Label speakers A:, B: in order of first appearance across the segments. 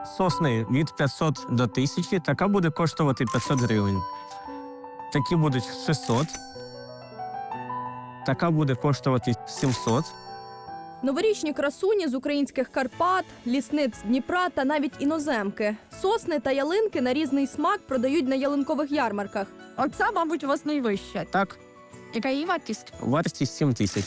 A: Сосни від 500 до 1000, така буде коштувати 500 гривень. Такі будуть 600. Така буде коштувати 700.
B: Новорічні красуні з українських Карпат, лісниць Дніпра та навіть іноземки. Сосни та ялинки на різний смак продають на ялинкових ярмарках.
C: Оце, мабуть, у вас найвища.
A: Так,
C: Яка її вартість?
A: вартість 7000.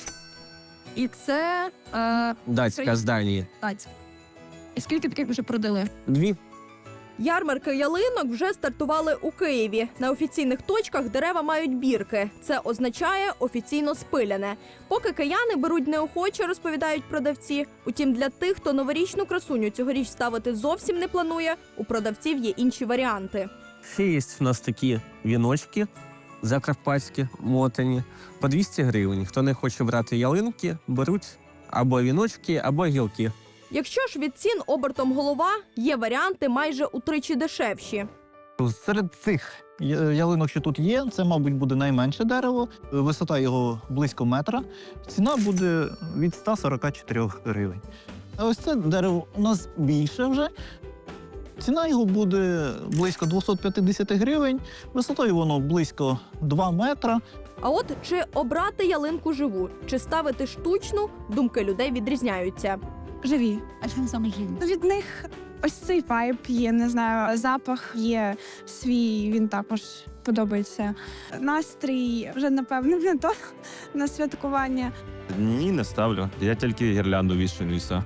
C: І це
A: Датська з Данії.
C: датська. І скільки таких вже продали?
A: 2.
B: Ярмарки ялинок вже стартували у Києві. На офіційних точках дерева мають бірки. Це означає офіційно спиляне. Поки кияни беруть неохоче, розповідають продавці. Утім, для тих, хто новорічну красуню цьогоріч ставити зовсім не планує, у продавців є інші варіанти.
A: Ще є в нас такі віночки закарпатські, мотані, по 200 гривень. Хто не хоче брати ялинки, беруть або віночки, або гілки.
B: Якщо ж від цін обертом голова, є варіанти майже утричі дешевші.
D: Серед цих ялинок, що тут є, це, мабуть, буде найменше дерево. Висота його близько метра. Ціна буде від 144 гривень. А ось це дерево у нас більше вже. Ціна його буде близько 250 гривень. Висотою воно близько 2 метра.
B: А от чи обрати ялинку живу, чи ставити штучну, думки людей відрізняються.
E: Живі.
C: А чому саме жінка?
E: Від них ось цей вайб є, не знаю, запах є свій, він також подобається. Настрій вже, напевно, не то на святкування.
F: Ні, не ставлю. Я тільки гірлянду вішаю і все.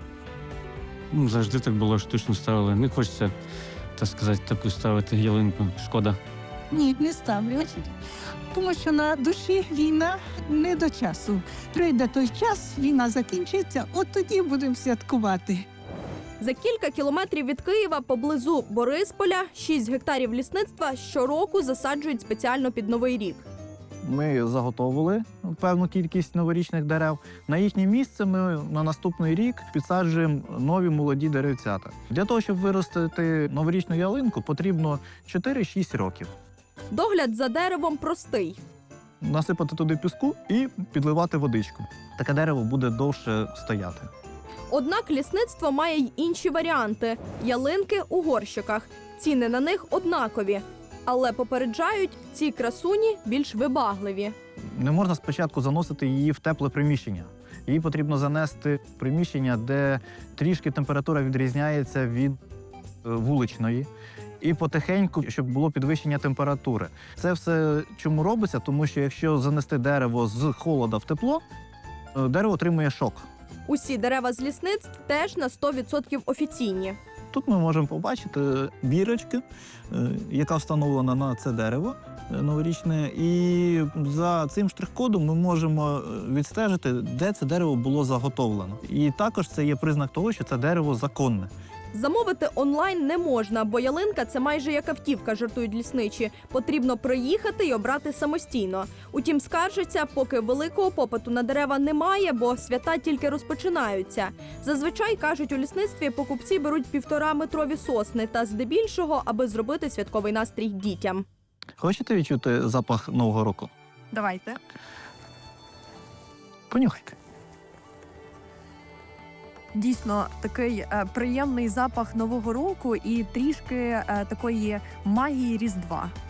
A: Завжди так було, штучно ставили. Не хочеться, так сказати, таку ставити ялинку. Шкода.
G: Ні, не ставлю. Тому що на душі війна не до часу. Прийде той час, війна закінчиться, от тоді будемо святкувати.
B: За кілька кілометрів від Києва, поблизу Борисполя, 6 гектарів лісництва щороку засаджують спеціально під Новий рік.
D: Ми заготовили певну кількість новорічних дерев. На їхнє місце ми на наступний рік підсаджуємо нові молоді деревцята. Для того, щоб виростити новорічну ялинку, потрібно 4-6 років.
B: Догляд за деревом простий.
D: Насипати туди піску і підливати водичку. Таке дерево буде довше стояти.
B: Однак лісництво має й інші варіанти – ялинки у горщиках. Ціни на них однакові. Але попереджають, ці красуні більш вибагливі.
D: Не можна спочатку заносити її в тепле приміщення. Її потрібно занести в приміщення, де трішки температура відрізняється від вуличної. І потихеньку, щоб було підвищення температури. Це все чому робиться? Тому що якщо занести дерево з холода в тепло, дерево отримує шок.
B: Усі дерева з лісництв теж на 100% офіційні.
D: Тут ми можемо побачити бірочки, яка встановлена на це дерево новорічне. І за цим штрих-кодом ми можемо відстежити, де це дерево було заготовлено. І також це є признак того, що це дерево законне.
B: Замовити онлайн не можна, бо ялинка – це майже як автівка, жартують лісничі. Потрібно приїхати і обрати самостійно. Утім, скаржаться, поки великого попиту на дерева немає, бо свята тільки розпочинаються. Зазвичай, кажуть, у лісництві покупці беруть 1,5-метрові сосни та здебільшого, аби зробити святковий настрій дітям.
D: Хочете відчути запах Нового року?
C: Давайте.
D: Понюхайте.
H: Дійсно, такий приємний запах Нового року і трішки такої магії Різдва.